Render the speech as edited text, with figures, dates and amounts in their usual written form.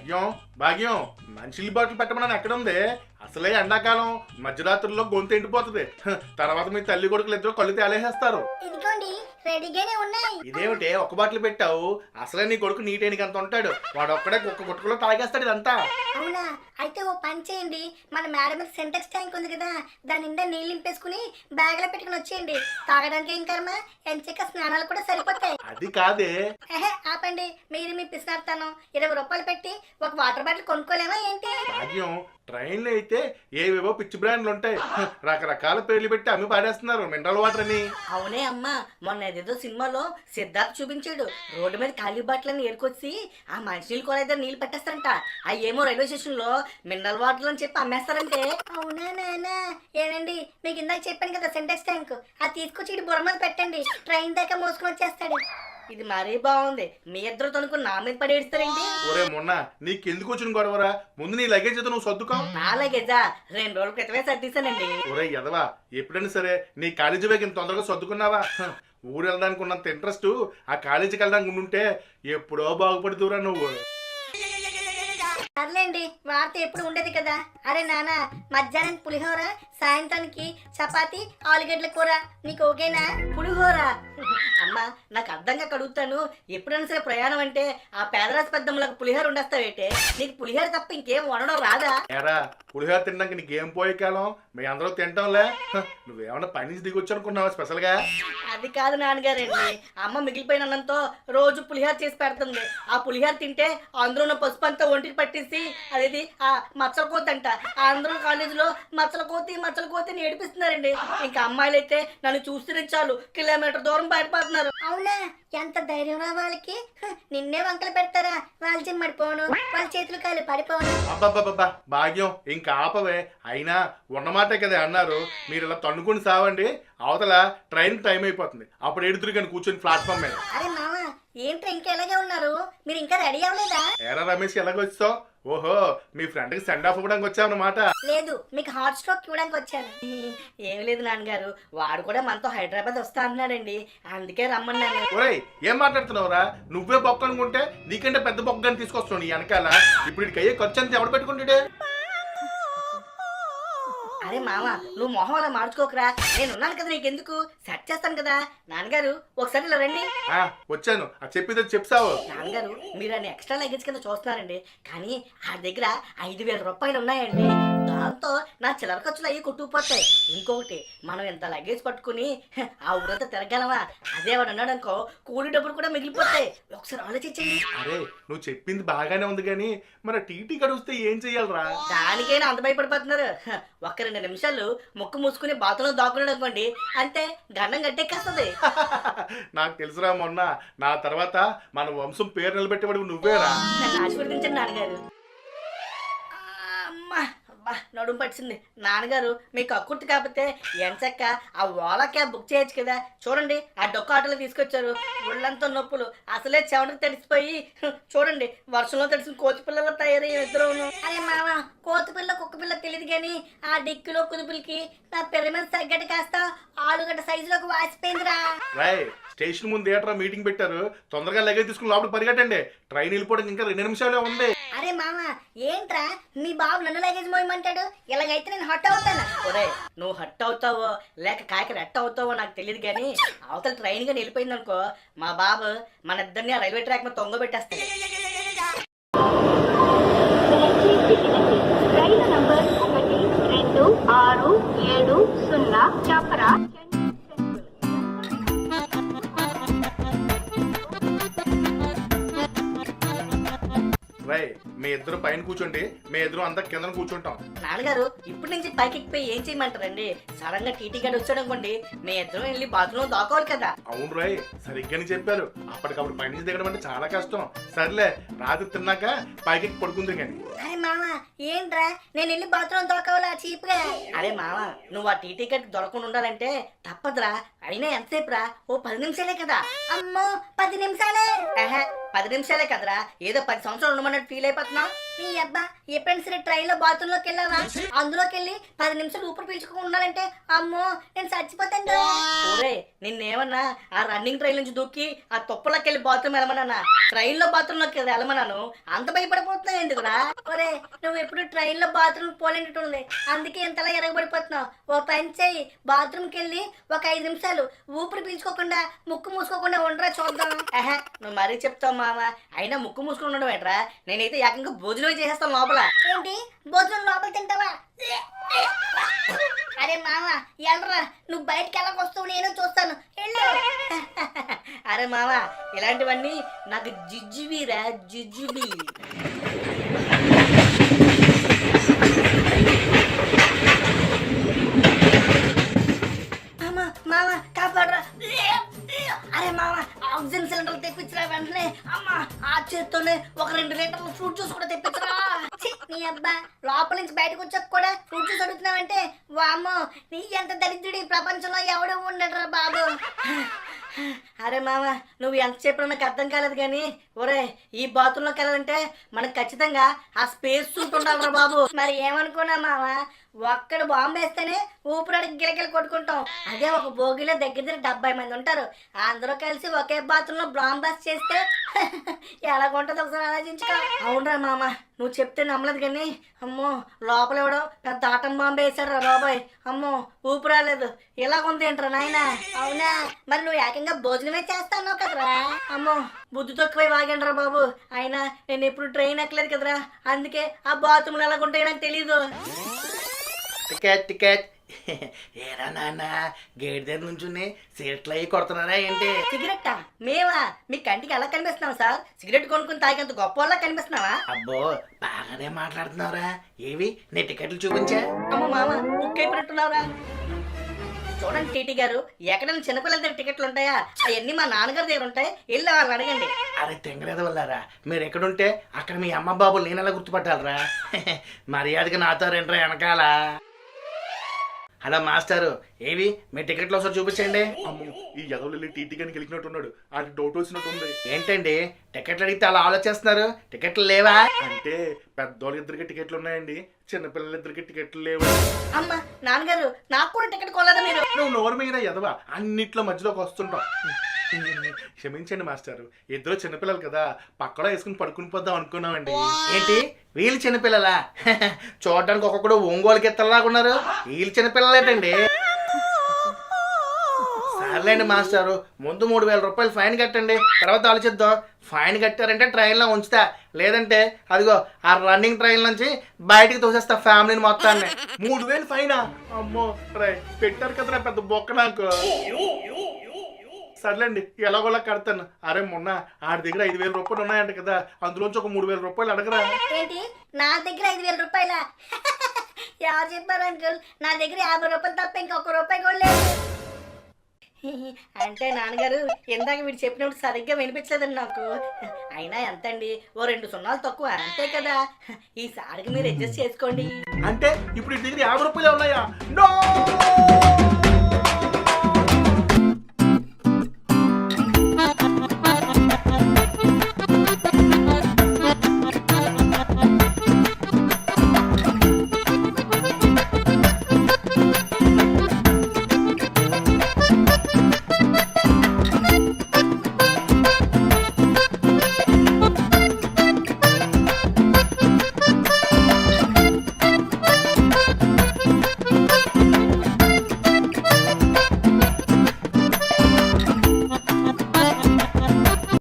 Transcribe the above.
భాగ్యం భాగ్యం మంచినీళ్ళ బాటిల్ పెట్టమని ఎక్కడ ఉంది? అసలే ఎండాకాలం మధ్యరాత్రుల్లో గొంతు ఎండిపోతుంది. తర్వాత మీ తల్లి కొడుకులు ఇద్దరు కళ్ళు తేలేసేస్తారు. ఇదిగోండి రెడీగానే ఉన్నాయి. ఇదేమిటే ఒక బాటిల్ పెట్టావు? అసలే నీ కొడుకు నీటేనికి అంత ఉంటాడు, వాడు ఒక్కడే కుక్క గుట్టుకులో తాగేస్తాడు ఇదంతా. అవునా? అయితే ఓ పని చేయండి, మన మేడ మీద సెంటెక్స్ ట్యాంక్ ఉంది కదా, దాని నిండా నీళ్ళు నింపేసుకుని బ్యాగ్ లో పెట్టుకుని వచ్చేయండి. తాగడానికి ఏం కర్మ, ఎంచక్క స్నానాలు కూడా సరిపోతాయి. అది కాదే. ఆపండి, మీరు మీ పిసినారుతాను 20 రూపాయలు పెట్టి ఒక వాటర్ బాటిల్ కొనుక్కోలేమా ఏంటి? భాగ్యం ట్రైన్లో అయితే ఏవేవో పిచ్చి బ్రాండ్లు ఉంటాయి, రకరకాల పేర్లు పెట్టి అమ్మి పాడేస్తున్నారు మినరల్ వాటర్ అని. అవునే అమ్మా, మొన్న ఏదేదో సినిమాలో సిద్ధార్థ్ చూపించాడు, రోడ్డు మీద ఖాళీ బాటిల్ని ఏరుకొచ్చి ఆ మంచినీళ్ళు కూడా నీళ్ళు పెట్టేస్తారంట. అవి ఏమో రైల్వే స్టేషన్ లో మినరల్ వాటర్ అని చెప్పి అమ్మేస్తారంటే. అవునా నాన్న? ఏనండి, మీకు ఇందాక చెప్పాను కదా సెంటెక్స్ ట్యాంక్, అది తీసుకొచ్చి ఇటు బుర్ర మీద పెట్టండి, ట్రైన్ దాకా మోసుకొని వచ్చేస్తాడు. ఇది మరీ బాగుంది, మీ ఇద్దరు తనుకుని నా మీద పడి ఏడుస్తారేంటి? ఒరే మొన్న నీకెందుకు వచ్చిన గొడవరా? ముందు నీ లగేజ్ అయితే నువ్వు సర్దుకో. నా లగేజా 2 రోజుల క్రితమే సర్దీసానండి. ఒరే ఎదవా, ఎప్పుడైనా సరే నీ కాలేజీ బ్యాగ్ ఇంత తొందరగా సర్దుకున్నావా? ఊరు వెళ్ళడానికి ఉన్నంత ఇంట్రెస్ట్ ఆ కాలేజీకి వెళ్ళడానికి ఉంటే ఎప్పుడో బాగుపడుతురా నువ్వు. సర్లేండి, వార్త ఎప్పుడు ఉండేది కదా. అరే నాన్న, మధ్యాహ్నం పులిహోర, సాయంత్రానికి చపాతి, ఆలుగడ్డల కూర, నీకు ఓకేనా? పులిహోర? అమ్మా నాకు అర్థంగా కడుగుతాను, ఎప్పుడైనా సరే ప్రయాణం అంటే ఆ పేదరాశి పెద్దమ్మలకు పులిహోర ఉండేస్తావేటే? నీకు పులిహోర తప్ప ఇంకేం వండడం రాదా? ఏరా పులిహోర తినడానికి నీకేం పోయే కాలం, మీ అందరూ తింటాంలే. నువ్వేమన్నా పని నుంచి దిగొచ్చు అనుకున్నావా స్పెషల్ గా? అది కాదు నాన్నగారండి, అమ్మ మిగిలిపోయిన అన్నంతో రోజు పులిహోర చేసి పెడుతుంది. ఆ పులిహోర తింటే అందులో ఉన్న పసుపు అంతా ఒంటికి పట్టేసి అదేది ఆ మచ్చల కోతి అంట, అందరూ కాలేజీలో మచ్చల కోతి అని ఏడిపిస్తున్నారండి. ఇంకా అమ్మాయిలు అయితే నన్ను చూస్తేనే చాలు కిలోమీటర్ దూరం బయటపడుతున్నారు. అవునా? ఎంత ధైర్యం రా వాళ్ళకి, నిన్నే వంకలు పెడతారా? వాళ్ళ చిమ్మడిపోను, వాళ్ళ చేతులు కాళ్ళు పడిపోను. అబ్బాబ్బాబ్బా భాగ్యం ఇంకా ఆపవే. అయినా ఉన్నమాటే కదా అన్నారు, మీరు ఇలా తన్నుకుని సావండి, అవతల ట్రైన్ టైం అయిపోతుంది, అప్పుడు ఎడుతురు కానీ కూర్చొని ప్లాట్ఫామ్ మీద. అరే మామ, ఏంట్రా ఇంకా ఎలాగే ఉన్నారు? మీరు ఇంకా రెడీ అవ్వలేదా? ఏరా రమేష్ ఎలాగొచ్చావు? ఓహో మీ ఫ్రెండ్ కి సెండ్ ఆఫ్ ఇవ్వడానికి వచ్చావన్నమాట. లేదు, మీకు హాట్ స్ట్రోక్ ఇవ్వడానికి వచ్చాను. ఏమి లేదు నాన్నగారు, వాడు కూడా మనతో హైదరాబాద్ వస్తా అన్నాడండి, అందుకే రమ్మన్నాను. ఒరేయ్ ఏం మాట్లాడుతున్నావురా? నువ్వే బొక్క అనుకుంటే నీకంటే పెద్ద బొక్కని తీసుకొస్తున్నావు నీ వెనకాల. ఇప్పుడు ఇక్కడికి అయ్యే ఖర్చు అంతా ఎవడు పెట్టుకుంటాడే? అరే మామ, నువ్వు మొహం అలా మార్చుకోకరా, నేను ఉన్నాను కదా, నీకెందుకు? సెట్ చేస్తాను కదా. నాన్నగారు ఒకసారి ఇలా రండి. వచ్చాను, అది చెప్పేది చెప్తావు. నాన్నగారు మీరు ఆయన ఎక్స్ట్రా లగేజ్ కింద చూస్తున్నారండి, కానీ ఆ దగ్గర 5,000 రూపాయలు ఉన్నాయండి. దాంతో నా చిల్లర ఖర్చులు అయ్యి కొట్టుకుపోతాయి. ఇంకొకటి, మనం ఎంత లగేజ్ పట్టుకుని ఆ ఊరంతా తిరగలమా? అదే వాడు అన్నాడు అనుకో, కూలి డబ్బులు కూడా మిగిలిపోతాయి. ఒకసారి ఆలోచించండి. అరే నువ్వు చెప్పింది బాగానే ఉంది కానీ మరి టీటీ గడుస్తే ఏం చెయ్యాలరా? దానికైనా అంత భయపడిపోతున్నారు. ఒక్క 2 నిమిషాలు ముక్కు మూసుకుని బాత్రూంలో దాక్కున్నాడు అనుకోండి, అంతే గండం గట్టెక్కేస్తుంది. నాకు తెలుసురా, మొన్న నా తర్వాత మన వంశం పేరు నిలబెట్టేవాడు నువ్వేరా. నన్ను ఆశీర్వదించండి నాన్నగారు. అమ్మా నడుము పట్టింది. నాన్నగారు మీకు అక్కుర్తి కాకపోతే ఎంచక్క ఆ ఓలా క్యాబ్ బుక్ చేయొచ్చు కదా. చూడండి ఆ డొక్క ఆటోలో తీసుకొచ్చారు, ఒళ్ళంతా నొప్పులు, అసలే చెమటకు తడిసిపోయి చూడండి వర్షంలో తడిసిన కోతి పిల్లలు తయారయ్యే ఇద్దరు. అరే మామ, కోతి పిల్ల కుక్క పిల్ల తెలియదు కానీ ఆ డిక్కులో కుదుపులకి నా పెద్ద మీద తగ్గట్టు కాస్త ఆలుగడ్డ సైజులోకి వాసిపోయిందిరా. రాయ్ స్టేషన్ ముందు థియేటర్ మీటింగ్ పెట్టారు, తొందరగా లగేజ్ తీసుకుని లోపల పరిగెట్టండి, ట్రైన్ వెళ్ళిపోవడానికి ఇంకా 2 నిమిషాలే ఉంది. అరే మామ, ఏంట్రా మీ బాబు నన్ను లగేజ్ మోయమంటాడు? ఇలాగైతే నేను హట్ అవుతాను. ఒరే నువ్వు హట్ అవుతావో లేక కాకి రెట్ అవుతావో నాకు తెలియదు కానీ అవతల ట్రైన్ గా వెళ్ళిపోయింది అనుకో, మా బాబు మన ఇద్దరిని ఆ రైల్వే ట్రాక్ మీద తొంగబెట్టేస్తాడు. రైలు నంబర్ 1260 చపరా. రాయ్ మీ ఇద్దరు పైన కూర్చోండి, మీ ఇద్దరు అంతా కింద కూర్చుంటాం. నాన్నగారు ఇప్పటి నుంచి పైకి ఎక్కిపోయి ఏం చేయమంటారండి? సడన్ గా టీటీ గడి వచ్చాడు అనుకోండి, మీ ఇద్దరం వెళ్ళి బాత్రూమ్ దాకోవాలి కదా. అవును రాయ్ సరిగ్గానే చెప్పారు, అప్పటికప్పుడు పైనుంచి దిగడం అంటే చాలా కష్టం. సర్లే రాత్రి తిన్నాక పైకి పడుకుంది కానీ. అరే మామ, ఏంట్రా నేను వెళ్ళి బాత్రూమ్ దొరకవాలా చీప్ గా? అరే మామ, నువ్వు ఆ టీటీ గడి దొరకకుండా ఉండాలంటే తప్పదురా. అయినా ఎంతసేపు రా? ఓ 10 నిమిషాలే కదా. అమ్మో 10 నిమిషాలే? 10 నిమిషాలే కదరా, ఏదో 10 సంవత్సరాలు ఉండమన్నట్టు ఫీల్ అయిపోతున్నావు. నీ అబ్బా ఎప్పుడైనా సరే ట్రైన్ లో బాత్రూమ్ లోకి వెళ్ళావా? అందులోకి వెళ్ళి 10 నిమిషాలు ఊపిరి పీల్చుకోకుండా ఉండాలంటే అమ్మో నేను చచ్చిపోతాను రా. ఒరే నిన్నేమన్నా ఆ రన్నింగ్ ట్రైన్ నుంచి దూకి ఆ తొప్పలోకి వెళ్ళి బాత్రూమ్ వెళ్ళమన్నా? ట్రైన్ లో బాత్రూమ్ లోకి వెళ్ళమన్నాను, అంత భయపడిపోతున్నావు ఎందుకురా? ఒరే నువ్వు ఎప్పుడు ట్రైన్ లో బాత్రూమ్ పోలేనట్టుంది, అందుకే ఇంతలా ఎరగబడిపోతున్నావు. ఓ పని చేయి, బాత్రూమ్కి వెళ్ళి ఒక 5 నిమిషాలు ఊపిరి పీల్చుకోకుండా ముక్కు మూసుకోకుండా ఉండరా చూద్దాం. నువ్వు మరీ చెప్తావు మామ. అయినా ముక్కు మూసుకుని ఉండడం ఏంట్రా? నేనైతే ఏకంగా భోజనమే చేసేస్తాను లోపల. ఏంటి భోజనం లోపల తింటావా? అరే మామ ఎల్రా, నువ్వు బయటకి ఎలా వస్తావు నేను చూస్తాను. వెళ్ళు. అరే మామ ఇలాంటివన్నీ నాకు జిజ్జుబీరా, జిజ్జుబీ. మామ మామ కాపాడరా. అరే మామ ఆక్సిజన్ సిలిండర్ తెప్పించరా వెంటనే. అమ్మా ఆ చేత్తోనే ఒక 2 లీటర్ల ఫ్రూట్ జ్యూస్ కూడా తెప్పించరా. ఛీ, నీ అబ్బా లోపల నుంచి బయటకు వచ్చాక కూడా ఫ్రూట్ జ్యూస్ అడుగుతున్నావంటే వామ్మో నీ ఎంత దరిద్రుడి ప్రపంచంలో ఎవడూ ఉండడురా బాబు. అరే మామ నువ్వు ఎంత చెప్పినా నాకు అర్థం కాలేదు కానీ ఒరే ఈ బాత్రూంలోకి వెళ్ళాలంటే మనకు ఖచ్చితంగా ఆ స్పేస్ సూట్ ఉండాలిరా బాబు. మరి ఏమనుకున్నా మామ, ఒక్కడు బాంబు వేస్తేనే ఊపిరాడికి గిలగిల కొట్టుకుంటాం. అదే ఒక భోగిలో దగ్గర 70 మంది ఉంటారు, అందరూ కలిసి ఒకే బాత్రూంలో బాంబ్ బస్ చేస్తే ఎలాగుంటుందో ఒకసారి ఆలోచించుకో. అవునరా మామ నువ్వు చెప్తే నమ్మలేదు కానీ అమ్మో లోపల ఎవడో పెద్ద ఆటం బాంబు వేశాడు రా బాబాయ్. అమ్మో ఊపి రాలేదు. ఇలాగుంది ఏంట్రా నాయన? అవునా, మరి నువ్వు ఏకంగా భోజనమే చేస్తాను కదరా. అమ్మో బుద్ధి తక్కువై వాగండ్రా బాబు. అయినా నేను ఎప్పుడు ట్రైన్ ఎక్కలేదు కదరా, అందుకే ఆ బాత్రూమ్లు ఎలాగుంటాయో నాకు తెలీదు. Ticket ticket. ఏరా నాన్న గేట్ దగ్గర నుంచి సీట్లు అయ్యి కొడుతున్నారా ఏంటి? సిగరెట్టా? మేవా? మీ కంటికి ఎలా కనిపిస్తున్నావు సార్? సిగరెట్ కొనుక్కుని తాగేంత గొప్ప వాళ్ళ కనిపిస్తున్నావా? అబ్బో బాగానే మాట్లాడుతున్నావురా. ఏవి నీ టికెట్లు చూపించా? అమ్మ మామ బుక్ అయిపోయినట్టున్నావురా. చూడండి టీటీ గారు, ఎక్కడైనా చిన్నపిల్లల దగ్గర టికెట్లు ఉంటాయా? అవన్నీ మా నాన్నగారి దగ్గర ఉంటాయి, వెళ్ళి వాళ్ళని అడగండి. అరే తెంగలేదు వల్లారా, మీరు ఎక్కడుంటే అక్కడ మీ అమ్మ బాబు నేనెలా గుర్తుపట్టాలరా? మర్యాదగా నాతో రెండ్రా వెనకాల. హలో మాస్టారు, ఏవి మీ టికెట్లు ఒకసారి చూపించండి. అమ్మో ఈ ఎదవల్లి టీటీ గాని గెలికినట్టున్నాడు, అది డౌట్ వచ్చినట్టుంది. ఏంటండి టికెట్లు అడిగితే అలా ఆలోచిస్తున్నారు? టికెట్లు లేవా? అంటే పెద్దోళ్ళ ఇద్దరికి టికెట్లు ఉన్నాయండి, చిన్నపిల్లలిద్దరికి టికెట్లు లేవు. అమ్మ నాన్నగారు నాకు కూడా టికెట్ కొనలేదా మీరు? నువ్వు నోరు మీద ఎదవా, అన్నిట్లో మధ్యలోకి వస్తుంటావు. క్షమించండి మాస్టారు, ఇద్దరు చిన్నపిల్లలు కదా, పక్కలో వేసుకుని పడుకుని పోద్దాం అనుకున్నామండి. ఏంటి వీళ్ళు చిన్నపిల్లలా? చూడడానికి ఒక్కొక్కడు ఒంగోలుకి ఎత్తలాగా ఉన్నారు. వీళ్ళు చిన్నపిల్లలేటండి. సర్లేండి మాస్టారు, ముందు 3000 రూపాయలు ఫైన్ కట్టండి, తర్వాత ఆలోచిద్దాం. ఫైన్ కట్టారంటే ట్రైన్లో ఉంచుతా, లేదంటే అదిగో ఆ రన్నింగ్ ట్రైన్ నుంచి బయటికి తోసేస్తా ఫ్యామిలీని మొత్తాన్ని. 3000 ఫైనా? అమ్మో రై పెట్టారు కదరా పెద్ద బొక్క నాకు. సర్లేండి ఎలాగోలా కడతాను. అరే మొన్న ఆడి దగ్గర 5000 రూపాయలు ఉన్నాయంట కదా, అందులోంచి ఒక 3000 రూపాయలు అడగరా. ఏంటి నా దగ్గర 5000 రూపాయలా? ఎవరు చెప్పారు అంకుల్? నా దగ్గర 50 రూపాయలు తప్ప ఇంకొక రూపాయి కూడా లేదు. అంటే నాన్నగారు ఇందాక మీరు చెప్పినప్పుడు సరిగ్గా వినిపించలేదండి నాకు. అయినా ఎంతండి, ఓ 2 సున్నాలు తక్కువ అంతే కదా. ఈసారికి మీరు అడ్జస్ట్ చేసుకోండి. అంటే ఇప్పుడు ఈ దగ్గర 50 రూపాయలే ఉన్నాయా? నో